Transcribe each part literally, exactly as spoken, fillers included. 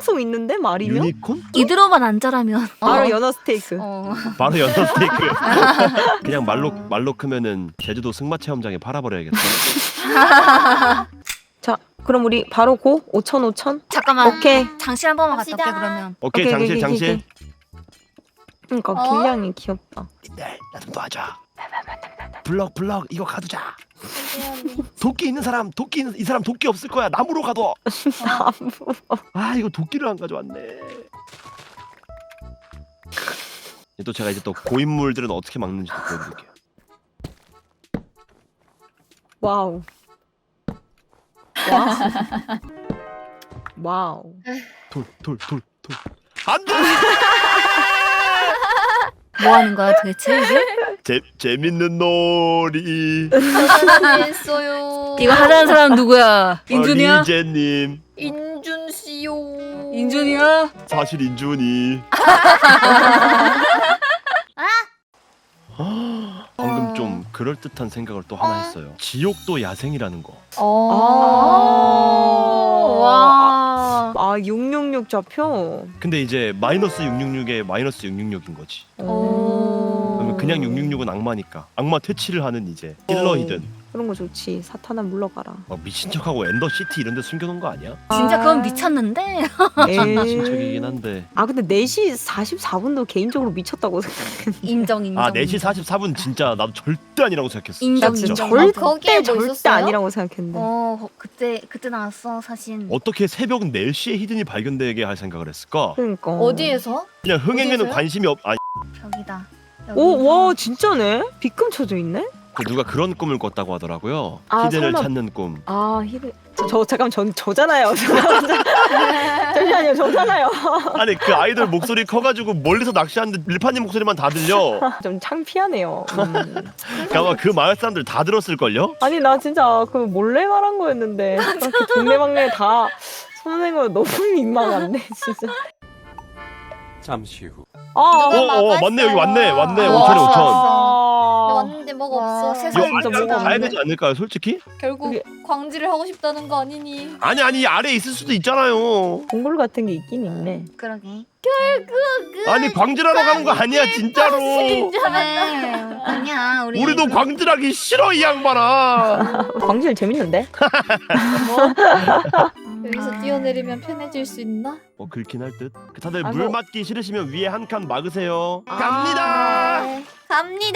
생방송 있는데 말이면? 유니콘? 이대로만 안 자라면 바로 어. 연어 스테이크. 어. 바로 연어 스테이크. 그냥 말로 말로 크면은 제주도 승마 체험장에 팔아버려야겠다. 자, 그럼 우리 바로 고 오천 오천. 잠깐만 오케이. 장실 한 번만 갔다 올게 갑시다. 그러면. 오케이, 오케이, 장실 오케이, 장실. 오케이. 그러니까 어? 길냥이 귀엽다. 네, 나 좀 도와줘. 블럭 블럭 이거 가두자. 언니. 도끼 있는 사람 도끼 있는 이 사람 도끼 없을 거야. 나무로 가둬. 아 이거 도끼를 안 가져왔네. 또 제가 이제 또 고인물들은 어떻게 막는지 보여드릴게요. 와우. 와우. 와우. 돌 돌 돌 돌. 안돼. 뭐 하는 거야 도대체 이게? 재 재밌는 놀이. 했어요. 이거 하자는 사람 누구야? 인준이야? 어, 리제님. 인준 씨요. 인준이야? 사실 인준이. 방금 좀 그럴 듯한 생각을 또 하나 했어요. 지옥도 야생이라는 거. 어. 와. 아 육육육 좌표. 근데 이제 마이너스 육육육에 마이너스 육육육인 거지. 오. 그러면 그냥 육육육은 악마니까. 악마 퇴치를 하는 이제 힐러이든. 그런 거 좋지. 사탄아 물러가라. 막 미친 척하고 엔더 시티 이런 데 숨겨놓은 거 아니야? 진짜 그건 미쳤는데. 미친 척이긴 한데. 아 근데 네 시 사십사 분도 개인적으로 미쳤다고 생각했는데. 인정 인정. 아 네 시 사십사 분 진짜 나도 절대 아니라고 생각했어. 인정, 진짜. 인정. 절대 거기에 뭐 절대 있었어요? 아니라고 생각했는데. 어 거- 그때 그때 나왔어 사진. 어떻게 새벽 네 시에 히든이 발견되게 할 생각을 했을까? 그러니까. 어디에서? 그냥 흥행에는 어디서요? 관심이 없. 아니 벽이다. 오, 와 진짜네. 빗금 쳐져 있네. 그 누가 그런 꿈을 꿨다고 하더라고요. 아, 히든을 설마- 찾는 꿈. 아 히든. 저, 저 잠깐 전 저잖아요. 잠시만요, 저잖아요. 아니 그 아이돌 목소리 커가지고 멀리서 낚시하는데 릴파님 목소리만 다 들려. 좀 창피하네요. 음. 아마 그 마을 사람들 다 들었을 걸요? 아니 나 진짜 그 몰래 말한 거였는데 그렇게 동네방네 다 손낸 거 너무 민망한데 진짜. 잠시 후. 아, 어, 누가 어, 막았어요. 맞네 여기 왔네 왔네 와, 오천에 오천. 근데 아, 왔는데 뭐가 와, 없어. 세상에 이거 진짜 아래 뭐가 가야 없네. 되지 않을까요 솔직히? 결국 그게- 광질을 하고 싶다는 거 아니니? 아니 아니 아래에 있을 수도 있잖아요. 동굴 같은 게 있긴 있네. 그러게. 아니 광질하러 가는 거 아니야 진짜로. 그래. 아니야 우리. 우리도 광질하기 싫어 이 양반아. 광질 재밌는데? 여기서 뛰어내리면 편해질 수 있나? 어 긁긴 할 듯. 다들 아, 물 뭐- 맞기 싫으시면 위에 한 칸 막으세요. 아. 갑니다. 네. 갑니다.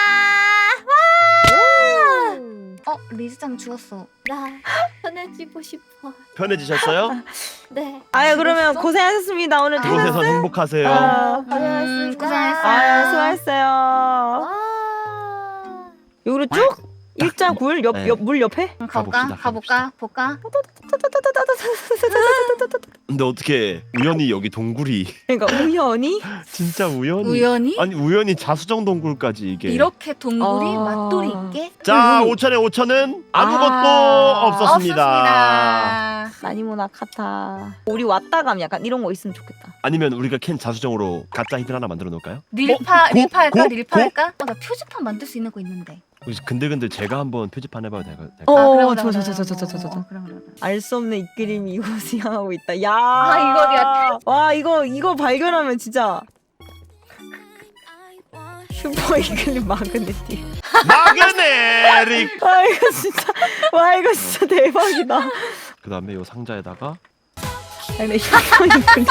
어 리즈짱 죽었어. 나 편해지고 싶어. 편해지셨어요? 네. 아유 그러면 고생하셨습니다. 오늘 퇴근. 그곳에서 행복하세요. 아, 음, 고생했어요. 아 수고했어요. 와. 여기로 쭉 일자 굴 옆 네. 옆 물 옆에. 그럼 가볼까? 가봅시다, 가볼까? 볼까? 근데 어떻게 우연히 여기 동굴이 그러니까 우연히. 진짜 우연히 우연히 아니 우연히 자수정 동굴까지 이게 이렇게 동굴이 아. 맛돌이 있게 자 음. 오천에 오천은 아무것도 아, 없었습니다. 없었습니다. 나니모나 카타. 우리 왔다 가면 약간 이런 거 있으면 좋겠다. 아니면 우리가 캔 자수정으로 가짜 히든 하나 만들어 놓을까요? 릴파 어? 고? 릴파 할까? 고? 릴파 고? 할까? 어, 나 표지판 만들 수 있는 거 있는데. 혹시 근데근데 제가 한번 표지판 해봐도 될까요? 어, 아, 그래, 그래, 저, 그래, 저, 저, 저, 그래. 저, 저, 저, 저. 어, 그래, 그래, 그래. 알 수 없는 이끌림이 이곳을 향하고 있다. 야. 아, 이거 어디야? 와 이거 이거 발견하면 진짜 슈퍼 이끌림 마그네틱. 마그네릭. 아 이거 진짜 와 이거 진짜 대박이다. 그 다음에 요 상자에다가 아니 근데 슈퍼 이끌림.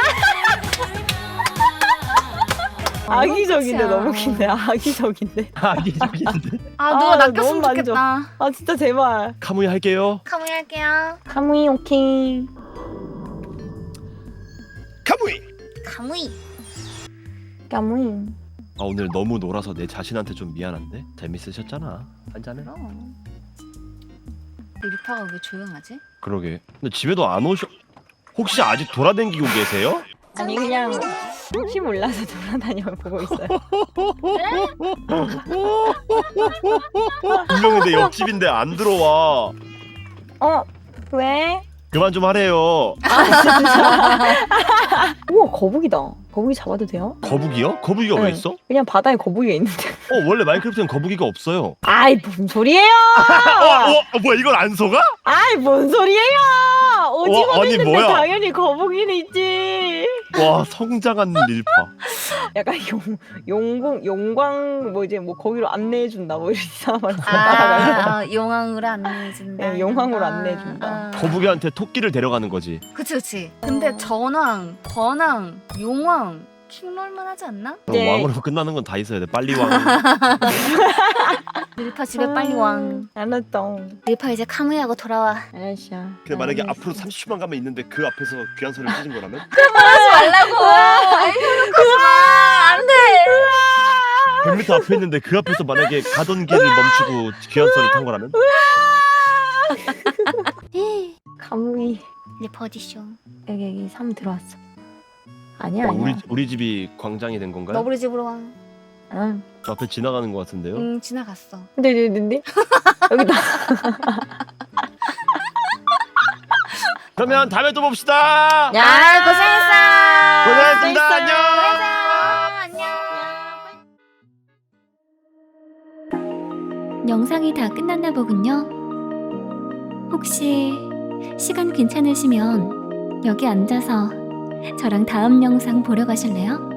악의적인데 끝이야. 너무 긴데 악의적인데. 아기적인데 아 누가 아, 낚였으면 너무 좋겠다. 아 진짜 제발. 카무이 할게요. 카무이 할게요. 카무이 오케이. 카무이. 카무이. 카무이. 아 오늘 너무 놀아서 내 자신한테 좀 미안한데 재밌으셨잖아. 한잔해. 그럼. 릴파가 왜 조용하지? 그러게. 근데 집에도 안 오셔. 혹시 아직 돌아다니고 계세요? 아니 그냥 혹시 몰라서 돌아다녀 보고 있어요. 분명히 내 옆집인데 안 들어와. 어 왜? 그만 좀 하래요. 우와 거북이다. 거북이 잡아도 돼요? 거북이요? 거북이가 왜 네. 있어? 그냥 바다에 거북이가 있는데. 어 원래 마인크래프트는 거북이가 없어요. 아이 뭔 소리예요? 어, 어, 어 뭐야 이걸 안 속아? 아이 뭔 소리예요? 오징어도 와, 아니, 있는데 뭐야? 당연히 거북이는 있지. 와 성장한 릴파. 약간 용 용궁 용광 뭐 이제 뭐 거기로 안내해 준다 뭐 이런 이상한 말. 아, 아 용왕으로 안내해준다. 네, 용왕으로 아, 안내해준다. 아. 거북이한테 토끼를 데려가는 거지. 그치 그치. 근데 전왕, 권왕, 용왕 킹롤만 하지 않나? 그럼 네. 왕으로 끝나는 건 다 있어야 돼. 빨리 왕. 릴파 집에 빨리 왕. 알았다. 릴파 이제 카무이하고 돌아와. 알았어. 근데 만약에 알았어. 앞으로 삼십 초만 가면 있는데 그 앞에서 귀한 소리를 찢은 거라면? 하지 말라고. 그만 안돼. 백 미터 앞에 있는데 그 앞에서 만약에 가던 길을 멈추고 귀한 소리를 탄 거라면? 삼이 이제 버디쇼. 여기 여기 삼 들어왔어. 아니야 어, 아니야. 우리 우리 집이 광장이 된 건가요? 너구리 집으로 와. 응. 저 앞에 지나가는 것 같은데요. 응 지나갔어. 근데 근데 근데 여기다. 그러면 다음에 또 봅시다. 야 아 고생했어. 고생했습니다. 고생했어요. 안녕. 안녕. 영상이 다 끝났나 보군요. 혹시 시간 괜찮으시면 여기 앉아서 저랑 다음 영상 보러 가실래요?